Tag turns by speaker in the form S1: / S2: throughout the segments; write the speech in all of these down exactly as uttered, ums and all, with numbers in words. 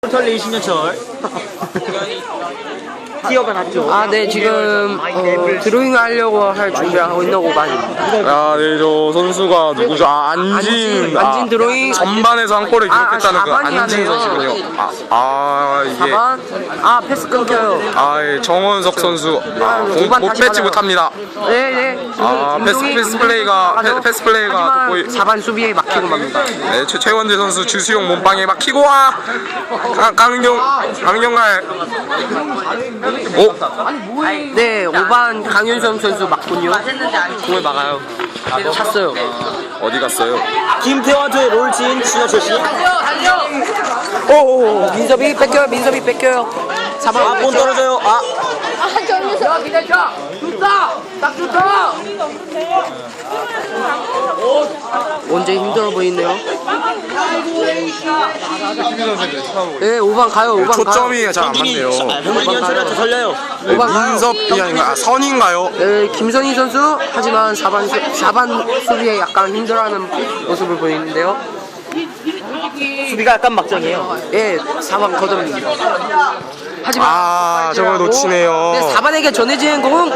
S1: 털레 신현철. 티어가 났죠.
S2: 아, 네, 지금 어, 드로잉 하려고 할 준비하고 있는 오반입니다.
S3: 아, 네, 저 선수가 누구죠? 아, 안진.
S2: 안진, 안진 드로잉.
S3: 전반에서 한 골을
S2: 아,
S3: 기록했다는 그
S2: 사반이
S3: 안진
S2: 하네요.
S3: 선수군요. 아, 아 이게.
S2: 사 번. 아, 패스 끊겨요.
S3: 아, 예, 정원석 선수. 아, 공,
S2: 오반
S3: 못
S2: 다시
S3: 뺏지
S2: 받아요.
S3: 못합니다.
S2: 네, 네.
S3: 아, 패스, 패스 플레이가, 패, 패스 플레이가 돋보이.
S2: 사 반 수비에 막히고 맙니다.
S3: 네, 최, 최원재 선수 주수용 몸빵에 막히고 와! 강, 강경, 강경갈. 오!
S2: 네, 오 반 강윤성 선수 맞군요. 공을 막아요. 찼어요.
S3: 어디 갔어요?
S1: 김태환의 롤진 신현철 씨.
S2: 오, 민섭이 뺏겨요. 민섭이 뺏겨요. 사 번.
S1: 아, 본 떨어져요. 아,
S2: 언제 힘들어 보이네요. 네, 오 반 가요. 오 반 가요.
S3: 초점이 잘 안 맞네요.
S1: 병진 현철한테 걸려요.
S3: 네,
S2: 오 반 가요.
S3: 민섭이 아닌가? 아, 선인가요?
S2: 네, 김선희 선수. 하지만 사 반 사 반 수비에 약간 힘들어하는 모습을 보이는데요.
S1: 수비가 약간 막장이에요.
S2: 예, 사 반 걷어냅니다. 하지만
S3: 아, 저걸 놓치네요.
S2: 네, 사 반에게 전해지는 공.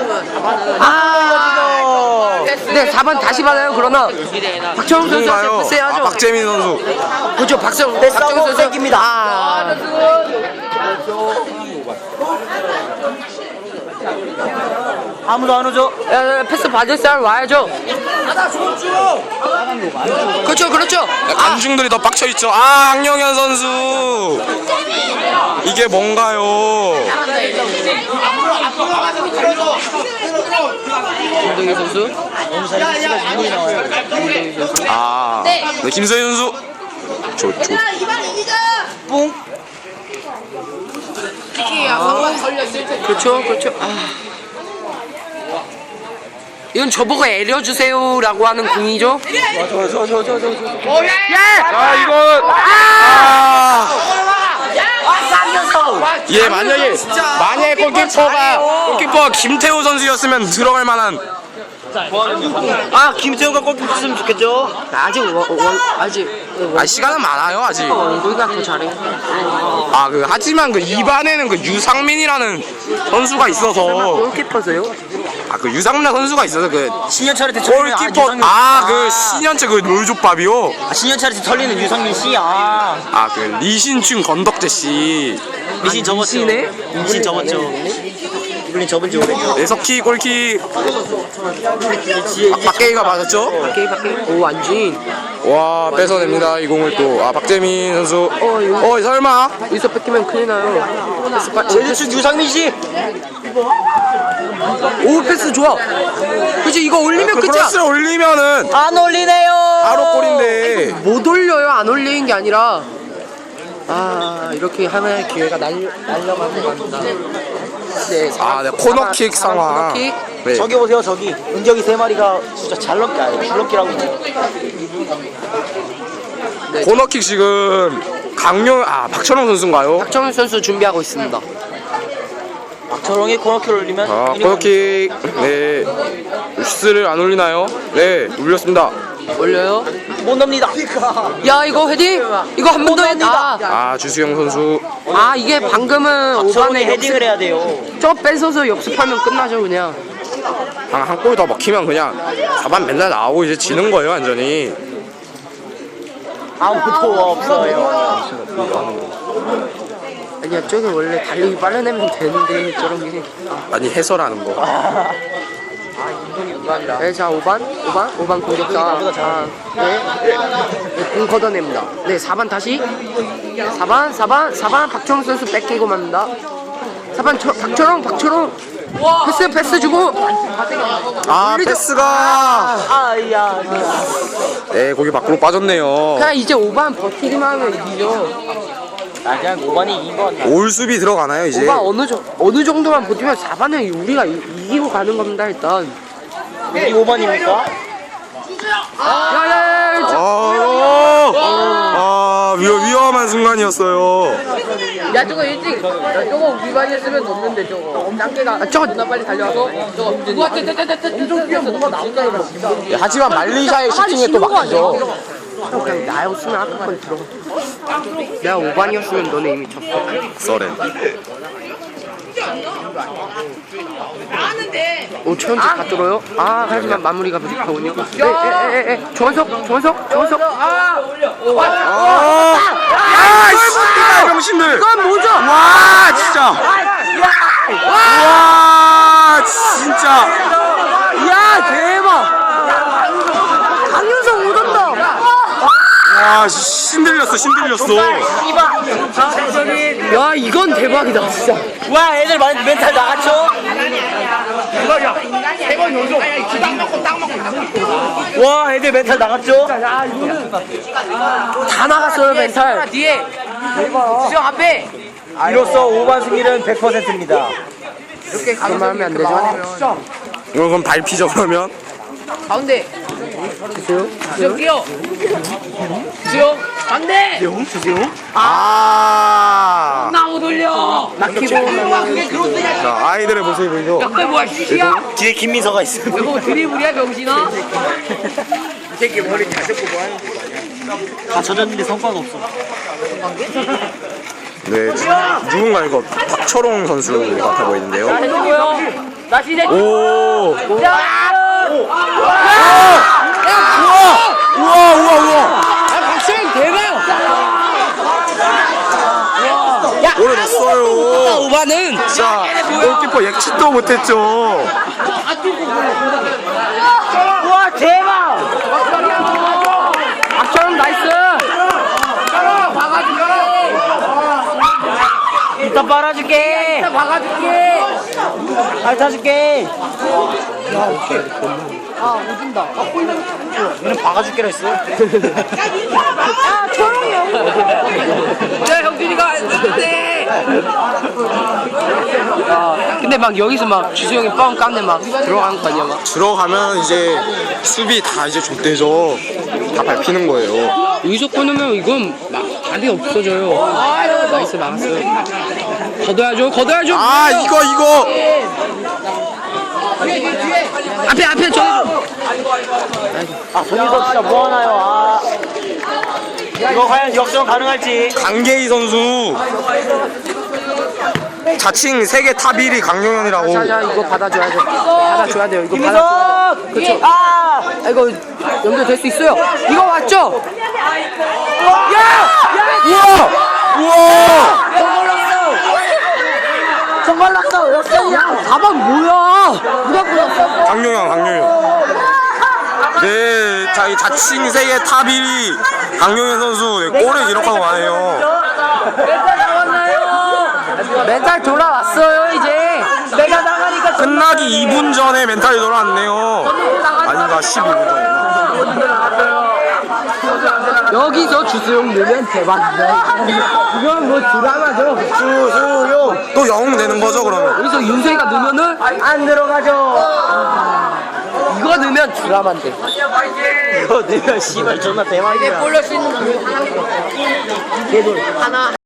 S2: 아, 네, 사 반 다시 받아요. 그러나 박철웅 선수한테
S3: 누군가요?
S2: 패스해야죠.
S3: 아, 박재민 선수.
S2: 그렇죠, 박철웅
S1: 패스하고
S2: 박철웅 선수
S1: 뺏깁니다.
S2: 아,
S1: 아무도 안 오죠.
S2: 야, 야, 패스 받을 사람 와야죠. 그렇죠, 그렇죠. 아,
S3: 관중들이 더 빡쳐있죠. 아, 황영현 선수. 이게 뭔가요?
S2: 김동희 선수.
S3: 아, 네, 김서희 선수. 저, 저.
S1: 뽕.
S2: 그렇죠, 그렇죠. 아. 이건 저보고 애려주세요라고 하는 공이죠.
S3: 아, 이건. 아! 예, 만약에, 만약에 골키퍼가, 골키퍼가 김태호 선수였으면 들어갈 만한.
S1: 아, 김태훈가 골키퍼 했으면 좋겠죠.
S2: 아직 원, 원 아직
S3: 아, 시간은 많아요, 아직.
S2: 우리가 더 잘해.
S3: 아, 그, 하지만 그 입안에는 그 유상민이라는 선수가 있어서.
S2: 골키퍼세요?
S3: 아, 그 유상민 선수가 있어서 그.
S1: 신현철한테
S3: 골키퍼, 아, 그 신현철 그 롤족밥이요?
S1: 아, 신현철한테 털리는 유상민 씨. 아,
S3: 아, 그 리신춘 건덕재 씨.
S1: 미신 접었죠.
S2: 미신이네?
S1: 미신 접었죠. 이블린 접은 지 오래죠.
S3: 네, 석희 골키.
S1: 지혜
S3: 아, 박계희가 맞았죠?
S2: 밖에 밖에. 오, 안진.
S3: 와, 뺏어냅니다, 이 공을 또. 아, 박재민 선수.
S2: 어, 이거
S3: 어, 설마?
S2: 여기서 뺏기면 큰일 나요. 패스 빠-
S1: 제주축 유상민 씨.
S2: 오, 패스 좋아. 그치, 이거 올리면
S3: 그
S2: 끝이야.
S3: 크로스를 올리면은
S1: 안 올리네요.
S3: 바로 골인데.
S2: 못 올려요. 안 올리는 게 아니라. 아, 이렇게 하면 기회가 날려 날려가는 겁니다. 네,
S3: 아, 네, 코너킥 상황.
S2: 코너킥.
S3: 네.
S1: 저기 보세요, 저기 은경이 세 마리가 진짜 잘 넘기 아니에요. 줄넘기라고 해요.
S3: 코너킥 지금 강용, 아, 박철웅 선수인가요?
S2: 박정훈 선수 준비하고 있습니다.
S1: 박철웅이 코너킥을 올리면
S3: 아,
S1: 유니폼-
S3: 코너킥. 네. 슈스를 안 올리나요? 네, 올렸습니다.
S2: 올려요.
S1: 못 넣습니다.
S2: 야, 이거 헤딩. 이거 한 번 더 했다.
S3: 아, 주수영 선수.
S2: 아, 이게 방금은
S1: 박철웅이
S2: 오반에
S1: 헤딩을 해야 돼요.
S2: 저 뺏어서 역습하면 끝나죠, 그냥.
S3: 한 골 더 먹히면 그냥 사 반 맨날 나오고 이제 지는 거예요, 완전히.
S1: 아무도 없어요.
S2: 아니야, 저게 원래 달리기 빨라내면 되는데 저런 게.
S3: 아니, 해설하는 거.
S2: 네, 자, 오 반, 오 반, 오 반 공격자. 아, 네. 네, 공 걷어냅니다. 네, 사 반 다시. 사 반, 사 반, 사 반 박철웅 선수 뺏기고 맙니다. 사 반 저, 박철웅, 박철웅. 패스, 패스 주고.
S3: 아,
S2: 올리죠.
S3: 패스가.
S1: 아야.
S3: 네, 거기 밖으로 빠졌네요.
S2: 그냥 이제 오 반 버티기만 하면 이기죠.
S1: 아, 그냥 오 반이 이긴 거 같나?
S3: 올 수비 들어가나요, 이제?
S2: 오 반 어느, 정, 어느 정도만 버티면 사 반은 우리가 이, 이기고 가는 겁니다, 일단.
S1: 이 오 반입니까?
S2: 야, 야, 야, 야, 저-
S3: 아, 아, 위, 위험한 순간이었어요.
S2: 야, 저거 일찍, 야, 저거 우리 반이 했으면 넣는데, 저거. 짱개가, 아, 저거 누나 빨리 달려와서, 저거, 누가, 엄청 뛰어서 누가 나온다, 이거.
S3: 하지만 말리샤의 슈팅에 또 막히죠.
S2: 그냥 나였으면 아까 건 들어가. 내가 오 반이었으면 너네 이미 졌어.
S3: 썰엔.
S2: 오, 최현재 다 뚫어요? 아, 하지만 마무리가 부족하군요. 네, 에, 에, 에, 에. 조원석, 조원석, 조원석. 아,
S3: 아, 아, 씨발 병신들.
S2: 이건 뭐죠?
S3: 와, 진짜. 와, 진짜.
S2: 야, 대박. 강윤성 오던다.
S3: 와, 신들렸어, 신들렸어.
S2: 야, 이건 대박이다, 진짜.
S1: 와 애들 많이 멘탈 나갔죠? 와 애들 멘탈 나갔죠?
S2: 다 나갔어요, 멘탈. 뒤에. 수영 앞에.
S1: 이로써 오 반 승리는 백 퍼센트입니다.
S2: 이렇게 가면 하면 안 되죠?
S3: 이거 그럼 발피죠, 그러면?
S2: 가운데. 주세요. 수영 뛰어. 수영. 반대.
S3: 아.
S2: 나무 돌려. 낙히고.
S3: 자, 아이들의 모습이 보이죠?
S2: 그게 뭐야, 슛이야?
S1: 뒤에 김민서가 있어.
S2: 이거 드리블이야, 병신아?
S1: 다 젖었는데 성과가 없어.
S3: 네, 누군가 이거 박철홍 선수 같아 보이는데요.
S2: 해주고요. 나 시대.
S3: 오.
S2: 야!
S3: 우와, 우와, 우와.
S2: 아, 박수영 대박! 야,
S3: 오래 났어요.
S2: 오바는
S3: 자, 골키퍼 예측도 못했죠.
S2: 와, 대박! 박철웅 나이스! 박아줄게!
S1: 이따 빨아줄게.
S2: 이따 박아줄게!
S1: 핥아줄게.
S2: 아, 오진다.
S1: 얘는 박아줄게라 했어.
S2: 야, 철웅이 형! 야, 형준이가 했는데! 아, 근데 막 여기서 막 주수형이 뻥 깎네 막 들어간 거 아니야 막.
S3: 들어가면 이제 수비 다 이제 족대죠. 다 밟히는 거예요.
S2: 여기서 끊으면 이건 막 답이 없어져요. 나이스 막았어요. 걷어야죠, 걷어야죠.
S3: 아, 이거, 이거.
S2: 앞에 앞에 저.
S1: 아 손희석 진짜 뭐하나요? 아. 이거 과연 역전 가능할지.
S3: 강계희 선수. 자칭 세계 탑 일 위 강용현이라고.
S2: 자자 이거 받아줘야 돼. 받아줘야 돼요. 이거 받아줘야 돼.
S1: 김민석.
S2: 그렇죠.
S1: 아.
S2: 아, 이거 연결될 수 있어요. 이거 맞죠? 야!
S3: 우와! 우와!
S1: 정말 났어. 역전이야.
S2: 가방 뭐야? 누가 끊었어?
S3: 강용현, 강용현. 네, 자, 이 자칭 세계 탑 일 위 강용현 선수 네, 골을 기록하고 가네요.
S2: 멘탈 나왔나요? 멘탈 돌아왔어요 이제.
S1: 내가 나가니까
S3: 끝나기 이 분 전에 멘탈이 돌아왔네요. 아닌가, 십이 분 전에.
S2: 여기서 주수용 넣으면 대박이다. 이건 뭐 드라마죠.
S1: 주수용.
S3: 또 영웅 되는 거죠, 그러면?
S2: 여기서 윤세이가 넣으면은
S1: 안 들어가죠.
S2: 이거 넣으면 드라마인데.
S1: 이거 넣으면 씨발 존나 대박이야.
S2: 볼럴 수 있는 거 하나.
S1: 개돌.
S2: 하나.